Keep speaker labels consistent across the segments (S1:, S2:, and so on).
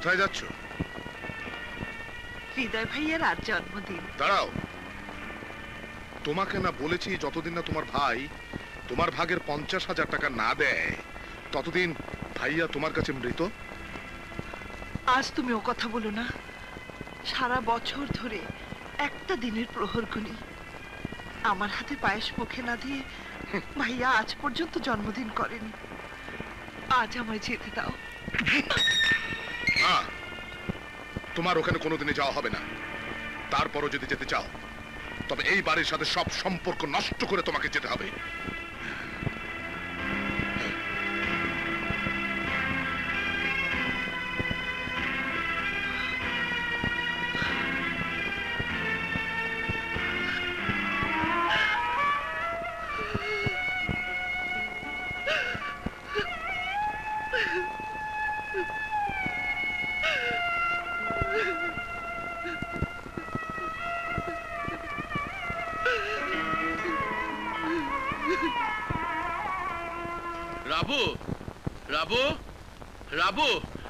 S1: কোথায় যাচ্ছ?
S2: হৃদয় ভাইয়ের আজ জন্মদিন।
S1: দাঁড়াও, তোমাকে না বলেছি যতদিন না তোমার ভাই তোমার ভাগের 50,000 টাকা না দেয় ততদিন ভাইয়া তোমার কাছে মৃত।
S2: আজ তুমি ও কথা বলো না। সারা বছর ধরে একটা দিনের প্রহর গুনি আমার হাতে পায়েস মুখে না দিয়ে ভাইয়া আজ পর্যন্ত জন্মদিন করেনি। আজ আমায় যেতে দাও।
S1: না, তোমার ওখানে কোনোদিনই যাওয়া হবে না। তারপরও যদি যেতে চাও তবে এই বাড়ির সাথে সব সম্পর্ক নষ্ট করে তোমাকে যেতে হবে।
S3: রাবু, রাবু, রাবু,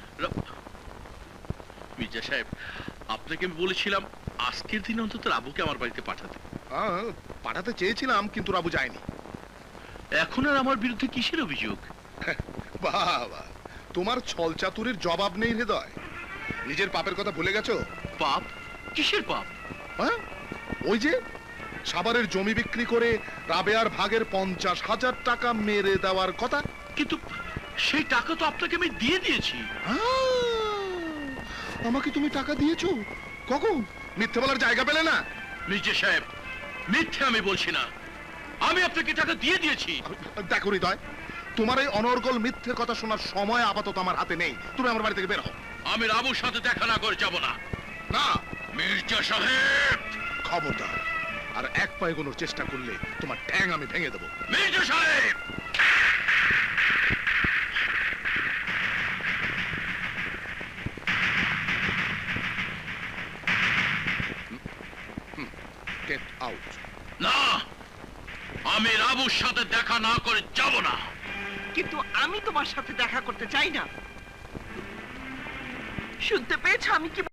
S3: মির্জা সাহেব, আপনাকে আমি বলেছিলাম আজকের দিন অন্তত রাবুকে আমার বাড়িতে পাঠাতে।
S1: পাঠাতে চেয়েছিলাম কিন্তু রাবু যায়নি।
S3: এখন আর আমার বিরুদ্ধে কিসের অভিযোগ?
S1: বাবা, তোমার ছল চাতুরির জবাব নেই হৃদয়। নিজের পাপের কথা ভুলে গেছো?
S3: পাপ? কিসের পাপ?
S1: হ্যাঁ, ওই যে সাভারের জমি বিক্রি করে রাবেয়ার ভাগের 50,000 টাকা মেরে দেওয়ার কথা।
S3: কিন্তু সেই টাকা তো আপনাকে আমি দিয়ে দিয়েছি।
S1: আমাকে তুমি টাকা দিয়েছো? কখন? মিথ্যে বলার জায়গা পেলে না?
S3: মির্জা সাহেব, মিথ্যে আমি বলছি না, আমি আপনাকে টাকা দিয়ে দিয়েছি।
S1: দেখো হৃদয়, তোমার এই অনর্গল মিথ্যে কথা শোনার সময় আপাতত আমার হাতে নেই। তুমি আমার বাড়ি থেকে বের হও।
S3: আমি রাবুর সাথে দেখা না করে যাব না।
S1: না
S3: মির্জা সাহেব,
S1: খবরদার, আর এক পা এগোনোর চেষ্টা করলে তোমার ঠ্যাং আমি ভেঙে দেবো।
S3: মির্জা সাহেব!
S1: Get out.
S3: না, আমি রাবুর সাথে দেখা না করে যাব না।
S2: কিন্তু আমি তোমার সাথে দেখা করতে চাই না। শুনতে পেয়েছো আমি কি